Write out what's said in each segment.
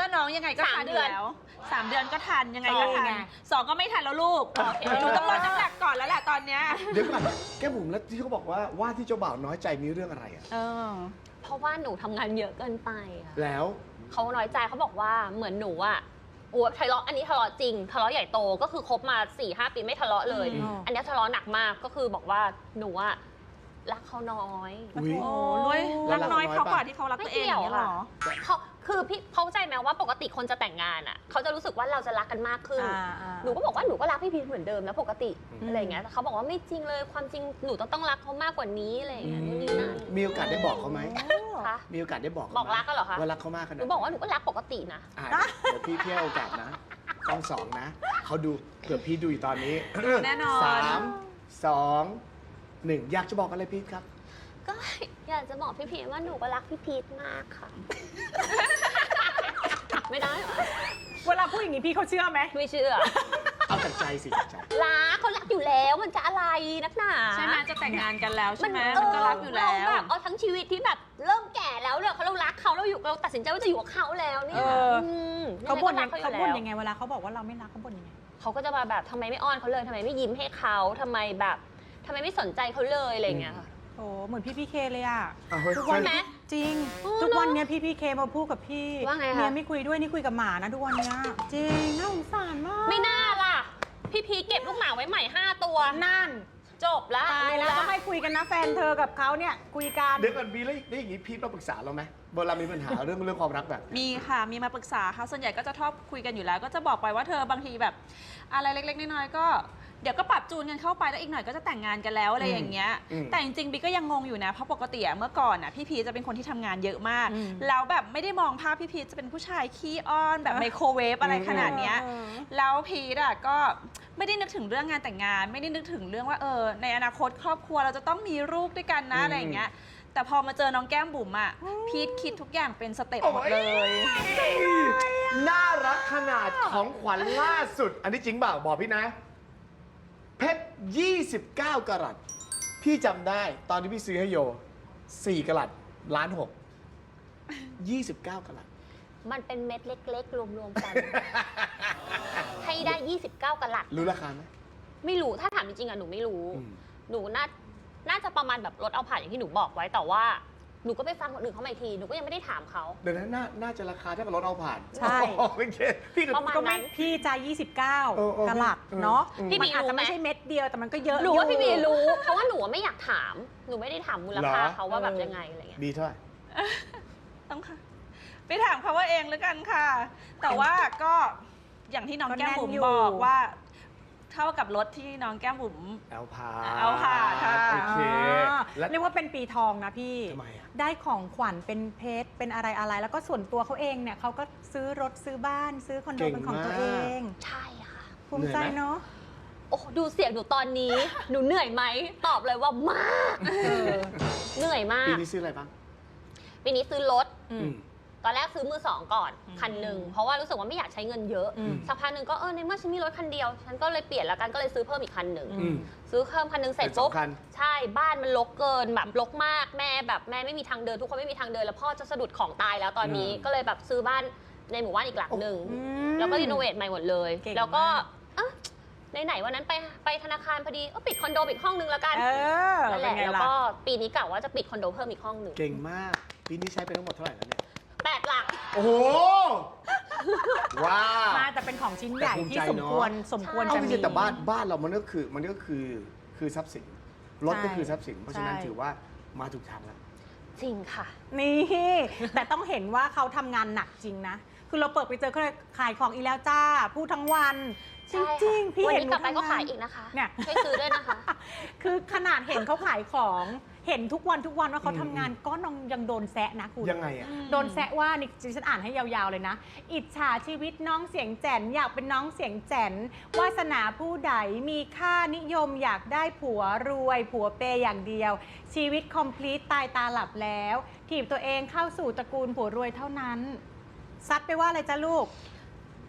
ว่าน้องยังไงก็ทันอยู่แล้ว3 เดือนก็ทันยังไงก็ทัน2ก็ไม่ทันแล้วลูกหนูต้องลดน้ำหนักก่อนแล้วแหละตอนเนี้ยเดี๋ยวก่อนแก้มบุ๋มแล้วที่เขาบอกว่าที่เจ้าบ่าวน้อยใจมีเรื่องอะไรอ่ะเพราะว่าหนูทำงานเยอะเกินไปอะแล้วเขาน้อยใจเขาบอกว่าเหมือนหนูอะทะเลาะอันนี้ทะเลาะจริงทะเลาะใหญ่โตก็คือคบมา 4-5 ปีไม่ทะเลาะเลยอันนี้ทะเลาะหนักมากก็คือบอกว่าหนูอะรักเขาน้อยโอ้ยรักน้อยเขากว่าที่เขารักตัวเองเหรอเขาคือพี่เข้าใจไหมว่าปกติคนจะแต่งงานอ่ะเขาจะรู้สึกว่าเราจะรักกันมากขึ้นหนูก็บอกว่าหนูก็รักพี่พีชเหมือนเดิมนะปกติอะไรอย่างเงี้ยเขาบอกว่าไม่จริงเลยความจริงหนูต้องรักเขามากกว่านี้อะไรอย่างเงี้ยนู่นนี่นั่นมีโอกาสได้บอกเขาไหมคะมีโอกาสได้บอกรักก็เหรอคะว่ารักเขามากขนาดหนูบอกว่าหนูก็รักปกตินะเดี๋ยวพี่เที่ยวโอกาสนะต้อง2นะเขาดูเผื่อพี่ดูอยู่ตอนนี้แน่นอน 3 2 1อยากจะบอกอะไรพีชครับก็อยากจะบอกพี่พีชว่าหนูก็รักพี่พีชมากค่ะไม่ได้เหรอเวลาพูดอย่างนี้พี่เขาเชื่อไหมไม่เชื่อเอาแต่ใจสิใจรักเขารักอยู่แล้วมันจะอะไรนักหนาใช่ไหมจะแต่งงานกันแล้วใช่ไหมมันก็รักอยู่แล้วเราแบบเอาทั้งชีวิตที่แบบเริ่มแก่แล้วเนี่ยเรารักเขาเราตัดสินใจว่าจะอยู่กับเขาแล้วเนี่ยเขาบ่นยังไงเวลาเขาบอกว่าเราไม่รักเขาบ่นยังไงเขาก็จะมาแบบทำไมไม่อ้อนเขาเลยทำไมไม่ยิ้มให้เขาทำไมไม่สนใจเขาเลยอะไรอย่างเงี้ยค่ะโอ้เหมือนพี่เคเลยอ่ะทุกวันไหมจริงทุกวันเนี้ยพี่เคมาพูดกับพี่ว่าไงคะเมียไม่คุยด้วยนี่คุยกับหมานะทุกวันเนี้ยจริงน่าสงสารมากไม่น่าล่ะพี่พีเก็บลูกหมาไว้ใหม่5 ตัวนั่นจบละตายแล้วก็ไม่คุยกันนะแฟนเธอกับเขาเนี่ยคุยกันเดี๋ยวก่อนบีแล้วได้อย่างนี้พีมาปรึกษาเราไหมเวลามีปัญหาเรื่องความรักแบบมีค่ะมีมาปรึกษาค่ะส่วนใหญ่ก็จะชอบคุยกันอยู่แล้วก็จะบอกไปว่าเธอบางทีแบบอะไรเล็กๆน้อยๆก็เดี๋ยวก็ปรับจูนกันเข้าไปแล้วอีกหน่อยก็จะแต่งงานกันแล้วอะไรอย่างเงี้ยแต่จริงๆบีก็ยังงงอยู่นะเพราะปกติเมื่อก่อนพี่พีจะเป็นคนที่ทำงานเยอะมากแล้วแบบไม่ได้มองภาพพี่พีจะเป็นผู้ชายขี้อ้อนแบบไมโครเวฟอะไรขนาดเนี้ยแล้วพีก็ไม่ได้นึกถึงเรื่องงานแต่งงานไม่ได้นึกถึงเรื่องว่าในอนาคตครอบครัวเราจะต้องมีลูกด้วยกันนะอะไรอย่างเงี้ยแต่พอมาเจอน้องแก้มบุ๋มพีทคิดทุกอย่างเป็นสเต็ปหมดเลยน่ารักขนาดของขวัญล่าสุดอันนี้จริงเปล่าบอกพี่นะเพชร29 กะรัตพี่จำได้ตอนที่พี่ซื้อให้โย4 กะรัต1.6 29 กะรัตมันเป็นเม็ดเล็กๆรวมๆกันให้ได้29 กะรัตรู้ราคาไหมไม่รู้ถ้าถามจริงๆหนูไม่รู้หนูน่าจะประมาณแบบลดเอาผ่านอย่างที่หนูบอกไว้แต่ว่าหนูก็ไปฟังคนอื่นเขาใหม่ทีหนูก็ยังไม่ได้ถามเขาเดี๋ยวนั้นน่าจะราคาเท่ากับรถเอาผ่านใช่พี่ประมาณนั้นพี่ใจ29 กะรัตเนาะพี่บีอาจจะไม่ใช่เม็ดเดียวแต่มันก็เยอะหนูว่าพี่บีรู้เพราะว่าหนูไม่อยากถามหนูไม่ได้ถามมูลค่าเขาว่าแบบยังไงอะไรเงี้ยบีเท่าไหร่ต้องค่ะไปถามเขาว่าเองแล้วกันค่ะแต่ว่าก็อย่างที่น้องแก้มบุ๋มบอกว่าเท่ากับรถที่น้องแก้มบุ๋มเอาผ่าค่ะโอเคเรียกว่าเป็นปีทองนะพี่ทำไมได้ของขวัญเป็นเพชรเป็นอะไรแล้วก็ส่วนตัวเขาเองเนี่ยเขาก็ซื้อรถซื้อบ้านซื้อคอนโดเป็นของตัวเองใช่ค่ะภูมิใจเนาะโอ้ดูเสียงหนูตอนนี้หนูเหนื่อยไหมตอบเลยว่ามากเหนื่อยมากปีนี้ซื้ออะไรบ้างปีนี้ซื้อรถตอนแรกซื้อมือ2ก่อนคันหนึ่งเพราะว่ารู้สึกว่าไม่อยากใช้เงินเยอะสักพักหนึ่งก็ในเมื่อฉันมีรถคันเดียวฉันก็เลยเปลี่ยนแล้วกันก็เลยซื้อเพิ่มอีกคันหนึ่งซื้อเพิ่มคันหนึ่งเสร็จปุ๊บใช่บ้านมันรกเกินแบบรกมากแม่ไม่มีทางเดินทุกคนไม่มีทางเดินแล้วพ่อจะสะดุดของตายแล้วตอนนี้ก็เลยแบบซื้อบ้านในหมู่บ้านอีกหลังหนึ่งแล้วก็รีโนเวทใหม่หมดเลยแล้วก็ไหนวันนั้นไปธนาคารพอดีปิดคอนโดอีกห้องนึงแล้วกันนั่นแหละแล้วก็ปีนี้กะว่าจะปิดคอนโดเพิ่มอีกห้องนึงเก่งมากปีนี้ใช้ไปทั้งหมดเท่าไหร่แล้วเนี่ย 8 หลักโอ้โหว้าวมาแต่เป็นของชิ้นใหญ่ที่สมควรจะมีแต่บ้านเรามันก็คือทรัพย์สินรถก็คือทรัพย์สินเพราะฉะนั้นถือว่ามาถูกทางแล้วจริงค่ะนี่แต่ต้องเห็นว่าเขาทำงานหนักจริงนะคือเราเปิดไปเจอเขาเลยขายของอีแล้วจ้าพูดทั้งวันจริงๆพี่เห็นกลับไปก็ขายอีกนะคะเนี่ยช่วยซื้อด้วยนะคะคือขนาดเห็นเขาขายของเห็นทุกวันว่าเขาทำงานก็ยังโดนแซะนะคุณยังไงอะโดนแซะว่านี่ฉันอ่านให้ยาวๆเลยนะอิจฉาชีวิตน้องเสียงแจ๋นอยากเป็นน้องเสียงแจ๋นวาสนาผู้ใดมีค่านิยมอยากได้ผัวรวยผัวเปย์อย่างเดียวชีวิตคอมพลีทตายตาหลับแล้วถีบตัวเองเข้าสู่ตระกูลผัวรวยเท่านั้นซัดไปว่าอะไรจ้าลูก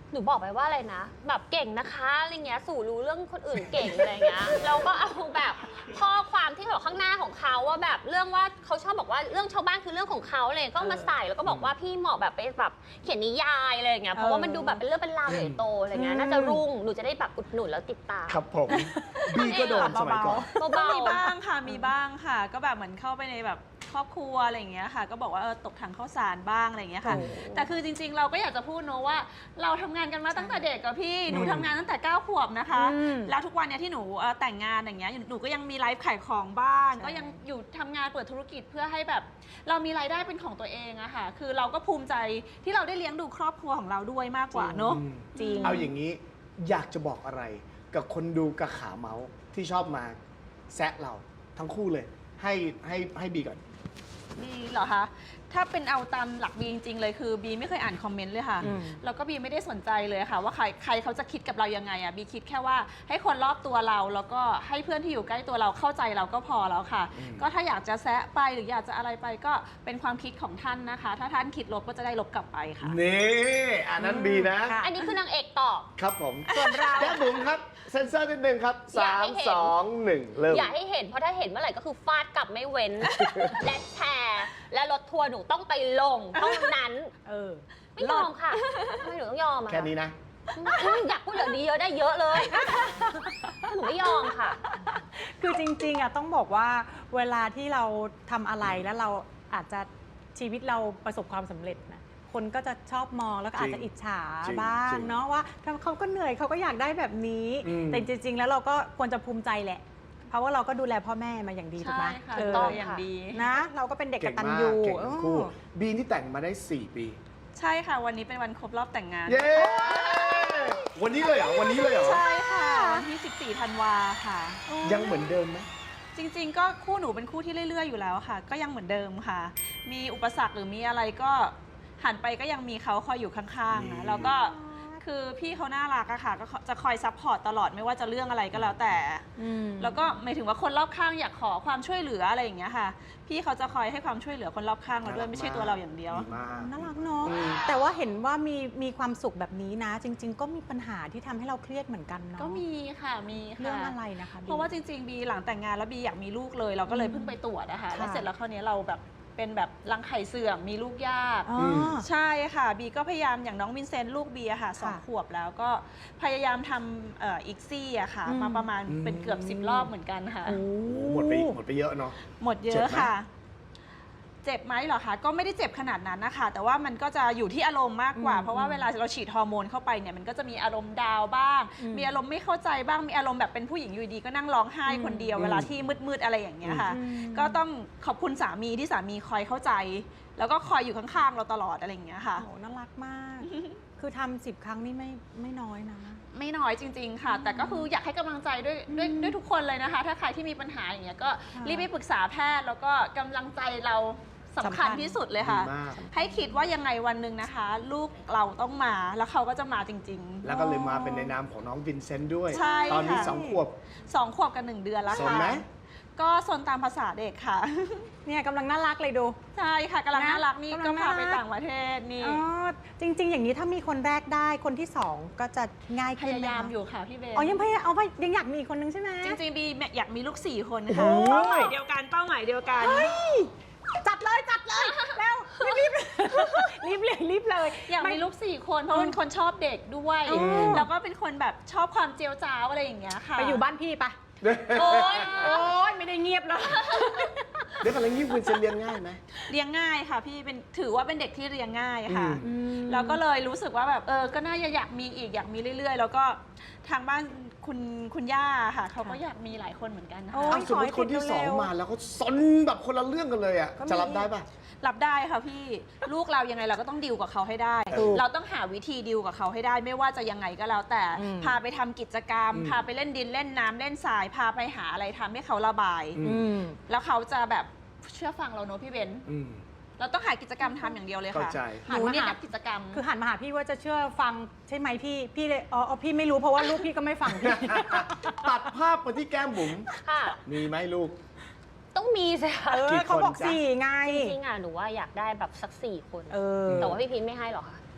หนูบอกไปว่าอะไรนะแบบเก่งนะคะอะไรเงี้ยสู่รู้เรื่องคนอื่นเก่งอะไรเงี้ยเราก็เอาแบบข้อความที่แบบข้างหน้าของเขาว่าแบบเรื่องว่าเขาชอบบอกว่าเรื่องชาวบ้านคือเรื่องของเขาเลยก็มาใส่แล้วก็บอกว่าพี่เหมาะแบบไปแบบเขียนนิยายอะไรอย่างเงี้ยเพราะว่ามันดูแบบเป็นเรื่องเป็นราวใหญ่โตอะไรเงี้ยน่าจะรุ่งหนูจะได้แบบอุดหนุนแล้วติดตามครับผมบีก็โดนสมัยก่อนก็เบามีบ้างค่ะ มีบ้างค่ะ ก็แบบเหมือนเข้าไปในแบบครอบครัวอะไรอย่างเงี้ยค่ะ ก็บอกว่าตกถังข้าวสารบ้างอะไรอย่างเงี้ยค่ะโอ้แต่คือจริงๆ เราก็อยากจะพูดเนอะว่า เราทำงานกันมาตั้งแต่เด็กกับพี่ หนูทำงานตั้งแต่9 ขวบนะคะ แล้วทุกวันเนี้ยที่หนูแต่งงานอย่างเงี้ย หนูก็ยังมีไลฟ์ขายของบ้าง ก็ยังอยู่ทำงานเปิดธุรกิจเพื่อให้แบบ เรามีรายได้เป็นของตัวเองอะค่ะ คือเราก็ภูมิใจที่เราได้เลี้ยงดูครอบครัวของเราด้วยมากกว่าเนอะจริงเอาอย่างนี้อยากจะบอกอะไรกับคนดูกับขาเมาส์ที่ชอบมาแซะเราทั้งคู่เลย ให้บีก่อนบีเหรอคะ ถ้าเป็นเอาตามหลักบีจริงๆเลยคือบีไม่เคยอ่านคอมเมนต์เลยค่ะอืมแล้วก็บีไม่ได้สนใจเลยค่ะ ว่าใครเขาจะคิดกับเรายังไงอ่ะบีคิดแค่ว่าให้คนรอบตัวเราแล้วก็ให้เพื่อนที่อยู่ใกล้ตัวเราเข้าใจเราก็พอแล้วค่ะ ก็ถ้าอยากจะแซะไปหรืออยากจะอะไรไปก็เป็นความคิดของท่านนะคะ ถ้าท่านคิดลบก็จะได้ลบกลับไปค่ะนี่อันนั้นบีนะค่ะอันนี้คือนางเอกตอบครับผมส่วนเราแก้มบุ๋มครับ เซนเซอร์นิดนึงครับอยากให้เห็น 3 2 1 เริ่มอย่าให้เห็นเพราะถ้าเห็นเมื่อไหร่ก็คือฟาดกลับไม่เว้น และแชร์และรถทัวร์หนูต้องไปลงเท่านั้นเออไม่ยอมค่ะทำไมหนูต้องยอมอะแค่นี้นะอยากพูดเหลือดีเยอะได้เยอะเลยหนูไม่ยอมค่ะคือจริงๆอ่ะต้องบอกว่าเวลาที่เราทำอะไรแล้วเราอาจจะชีวิตเราประสบความสำเร็จนะคนก็จะชอบมองแล้วก็อาจจะอิจฉาจริงบ้างจริงเนาะว่าเขาก็เหนื่อยเขาก็อยากได้แบบนี้อืมแต่จริงๆแล้วเราก็ควรจะภูมิใจแหละ เพราะว่าเราก็ดูแลพ่อแม่มาอย่างดีถูกไหมใช่ค่ะเออต้องอย่างดีนะเราก็เป็นเด็กกเก่งตัญมากญูเก่งทั้งคู่เออบีที่แต่งมาได้ 4 ปีใช่ค่ะ วันนี้เป็นวันครบรอบแต่งงานเย้ วันนี้เลยเหรอ วันนี้เลยเหรอใช่ค่ะ วันที่ 14 ธันวาค่ะยังเหมือนเดิมไหมจริงๆ ก็คู่หนูเป็นคู่ที่เรื่อยๆ อยู่แล้วค่ะ ก็ยังเหมือนเดิมค่ะ มีอุปสรรคหรือมีอะไรก็หันไปก็ยังมีเขาคอยอยู่ข้างๆนะแล้วก็คือพี่เขาน่ารักอะค่ะ ก็จะคอยซัพพอร์ตตลอดไม่ว่าจะเรื่องอะไรก็แล้วแต่อืมแล้วก็หมายถึงว่าคนรอบข้างอยากขอความช่วยเหลืออะไรอย่างเงี้ยค่ะ พี่เขาจะคอยให้ความช่วยเหลือคนรอบข้างเราด้วยไม่ใช่ตัวเราอย่างเดียวดีมากน่ารักเนาะอืมแต่ว่าเห็นว่ามีความสุขแบบนี้นะ จริง ๆ ก็มีปัญหาที่ทำให้เราเครียดเหมือนกันเนาะก็มีค่ะ มีค่ะเรื่องอะไรนะคะบีเพราะว่าจริงๆ บีหลังแต่งงานแล้วบีอยากมีลูกเลย เราก็เลยเพิ่งไปตรวจนะคะค่ะแล้วเสร็จแล้วคราวนี้เราแบบเป็นแบบรังไข่เสื่อมมีลูกยากอ๋ออใช่ค่ะ บีก็พยายามอย่างน้องวินเซนต์ลูกบีอะค่ะค่ะ 2 ขวบแล้วก็พยายามทำอีกซี่อะค่ะอืมมาประมาณเป็นเกือบ10 รอบเหมือนกันค่ะโอ้โอ้โหหมดไปเยอะเนาะหมดเยเจ็บอะไหมค่ะ เจ็บไหมเหรอคะ ก็ไม่ได้เจ็บขนาดนั้นนะคะ แต่ว่ามันก็จะอยู่ที่อารมณ์มากกว่าอืมเพราะว่าเวลาเราฉีดฮอร์โมนเข้าไปเนี่ย มันก็จะมีอารมณ์ดาวน์บ้างอืมมีอารมณ์ไม่เข้าใจบ้าง มีอารมณ์แบบเป็นผู้หญิงอยู่ดีก็นั่งร้องไห้คนเดียวอืมเวลาที่มืดๆอะไรอย่างเงี้ยค่ะอืมก็ต้องขอบคุณสามีที่สามีคอยเข้าใจ แล้วก็คอยอยู่ข้างๆเราตลอดอะไรอย่างเงี้ยค่ะโอ้น่ารักมาก คือทำ10 ครั้งนี่ไม่น้อยนะไม่น้อยจริง ๆ ค่ะ แต่ก็คืออยากให้กำลังใจด้วยทุกคนเลยนะคะ ถ้าใครที่มีปัญหาอย่างเงี้ยก็ค่ะรีบไปปรึกษาแพทย์ แล้วก็กำลังใจเราสำสำคัคัญญที่สุดเลยค่ะดีมากให้คิดว่ายังไงวันหนึ่งนะคะ ลูกเราต้องมาแล้วเขาก็จะมาจริงแล้วก็เลยมาเป็นในนามของน้องวินเซนต์ด้วยใช่ตอนนี้ค่ะ 2 ขวบๆ 2 ขวบกับ 1 เดือนแล้วสนค่ะไหมก็สนตามภาษาเด็กค่ะเนี่ยกำลังน่ารักเลยดูใช่ค่ะกำลังนะน่ารักนี่กำลัก็งพาน่ารักไปต่างประเทศนี่อ๋อจริง ๆ อย่างนี้ถ้ามีคนแรกได้คนที่ 2 ก็จะง่ายพขึ้นไหยายามอยู่ค่ะพี่เบนอ๋อยังพยายามเอาไปยังอยากมีอีกคนนึงใช่ไหมจริงๆบีอยากมีลูก4 คนโอ้ค่ะโหเป้าหมายเดียวกันเป้าหมายเดียวกันจัดเลยแล้วรีบเลยอยากมีลูก4 คนเพราะเป็นคนชอบเด็กด้วยอืมแล้วก็เป็นคนแบบชอบความเจียวจ้าวอะไรอย่างเงี้ยค่ะไปอยู่บ้านพี่ปะโอ๊ยโอ๊ยไม่ได้เงียบเลยเดี๋ยวกันแล้วงี้วินเซนต์เลี้ยงง่ายไหมเลี้ยงง่ายค่ะพี่เป็นถือว่าเป็นเด็กที่เลี้ยงง่ายค่ะอืแล้วก็เลยรู้สึกว่าแบบก็น่าจะอยากมีอีกอยากมีเรื่อยๆ แล้วก็ทางบ้านคุณย่าค่ะเขาก็อยากมีหลายคนเหมือนกันนะโอ้คะอ้าวสมมติคนที่ขอให้ติดเร็ว 2 มาแล้วเขาซนแบบคนละเรื่องกันเลยอ่ะก็มีจะรับได้ปะรับได้ค่ะพี่ลูกเรายังไงเราก็ต้องดิวกับเขาให้ได้ถูกเราต้องหาวิธีดิวกับเขาให้ได้ ไม่ว่าจะยังไงก็แล้วแต่อืมพาไปทำกิจกรรม พาไปเล่นดินเล่นน้ำเล่นทราย พาไปหาอะไรทำให้เขาระบายอืมแล้วเขาจะแบบเชื่อฟังเราเนอะพี่เบนอืมเราต้องหากิจกรรมทำอย่างเดียวเลยค่ะเข้าใจหนูเนี่ยนักกิจกรรมคือหันมาหาพี่ว่าจะเชื่อฟังใช่ไหมพี่เลยอ๋อพี่ไม่รู้เพราะว่าลูกพี่ก็ไม่ฟังพี่ตัดภาพมาที่แก้มบุ๋มค่ะมีไหมลูกต้องมีสิค่ะกี่คนเขาบอกจ๊ะ 4 ไงจริงๆอ่ะหนูว่าอยากได้แบบสัก4 คนเออแต่ว่าพี่พีนไม่ให้หรอกค่ะท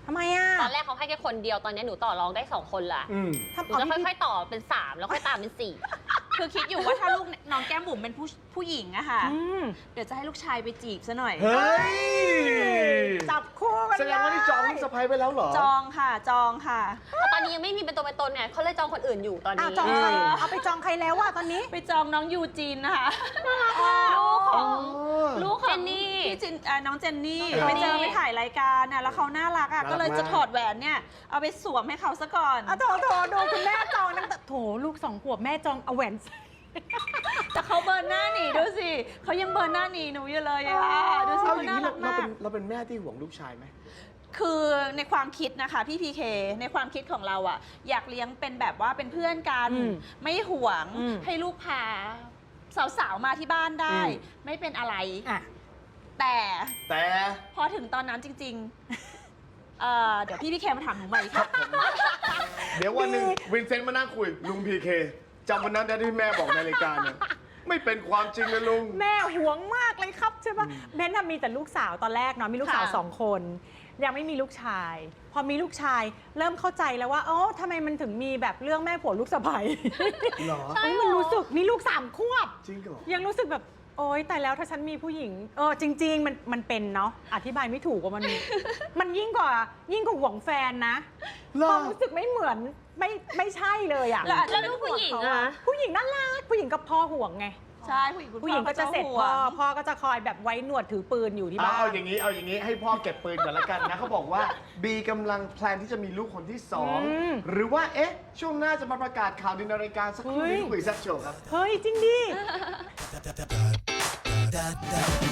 ทำไมอ่ะตอนแรกเขาให้แค่คนเดียวตอนนี้หนูต่อรองได้2 คนละทำหนูจะค่อยๆต่อเป็น 3 แล้วค่อยตามเป็น 4 คือคิดอยู่ว่าถ้าลูกน้องแก้มบุ๋มเป็นผู้หญิงอะค่ะอืมเดี๋ยวจะให้ลูกชายไปจีบซะหน่อยเฮ้ยจับคู่กันแสดงว่านี่จองลูกสะใภ้ไปแล้วเหรอจองค่ะจองค่ะแต่ตอนนี้ยังไม่มีเป็นตัวเป็นตนเนี่ยเขาเลยจองคนอื่นอยู่ตอนอ้านี้วจองใครเอาไปจองใครแล้วอะตอนนี้ไปจองน้องยูจีนนะคะลูกของ ลูกของเจนนี่พี่จินน้องเจนนี่ครับไปเจอไปถ่ายรายการน่ะแล้วเขาน่ารักอ่ะน่ารักก็เลยจะมากถอดแหวนเนี่ยเอาไปสวมให้เขาซะก่อนโถดูคุณแม่จองตั้งแต่โถลูก2 ขวบแม่จองเอาแหวนใส่แต่เขาเบิร์นหน้าหนีดูสิเขายังเบิร์นหน้าหนีหนูอยู่เลยอ่ะดูสิเอาเขาอย่างน่านี้รักมากเราเป็นแม่ที่ห่วงลูกชายไหมคือในความคิดนะคะพี่พีเคในความคิดของเราอ่ะอยากเลี้ยงเป็นแบบว่าเป็นเพื่อนกันอืมไม่ห่วงอืมให้ลูกพาสาวๆมาที่บ้านได้อืมไม่เป็นอะไรอ่ะแต่แต่พอถึงตอนนั้นจริงๆเดี๋ยวพี่พีเคมาถามหนูใหม่ค่ะเดี๋ยววันหนึ่งวินเซนต์มานั่งคุยลุงพีเคจำวันนั้นได้ที่แม่บอกในรายการเนี่ยไม่เป็นความจริงเลยลุงแม่หวงมากเลยครับใช่ปะเบนน่ะมีแต่ลูกสาวตอนแรกเนาะมีลูกสาวค่ะ 2 คน ยังไม่มีลูกชาย พอมีลูกชายเริ่มเข้าใจแล้วว่าอ๋อทำไมมันถึงมีแบบเรื่องแม่ผัวลูกสะใภ้เหรอเฮ้ยมันรู้สึกมีลูก3 ขวบจริงเหรอยังรู้สึกแบบโอ๊ยแต่แล้วถ้าฉันมีผู้หญิงจริง ๆ มันเป็นเนาะอธิบายไม่ถูกว่ามัน มันยิ่งกว่าห่วงแฟนนะเหรอความรู้สึกไม่เหมือนไม่ใช่เลยอ่ะแล้วแล้วลูกผู้หญิงอะผู้หญิงน่ารักผู้หญิงกับพ่อห่วงไงใช่ผู้หญิงคุณผู้หญิงก็จะเสร็จห่พ่วอง พ่อก็จะคอยแบบไว้หนวดถือปืนอยู่ที่บ้านเอาอย่างนี้ให้พ่อเก็บปืนก่อนละกันนะเขาบอกว่าบีกำลังแพลนที่จะมีลูกคนที่สองอืมหรือว่าช่วงหน้าจะมาประกาศข่าวในรายการสักครู่เฮ้ยนี้คุยแซ่บโชว์ครับเฮ้ยจริงดิ da da da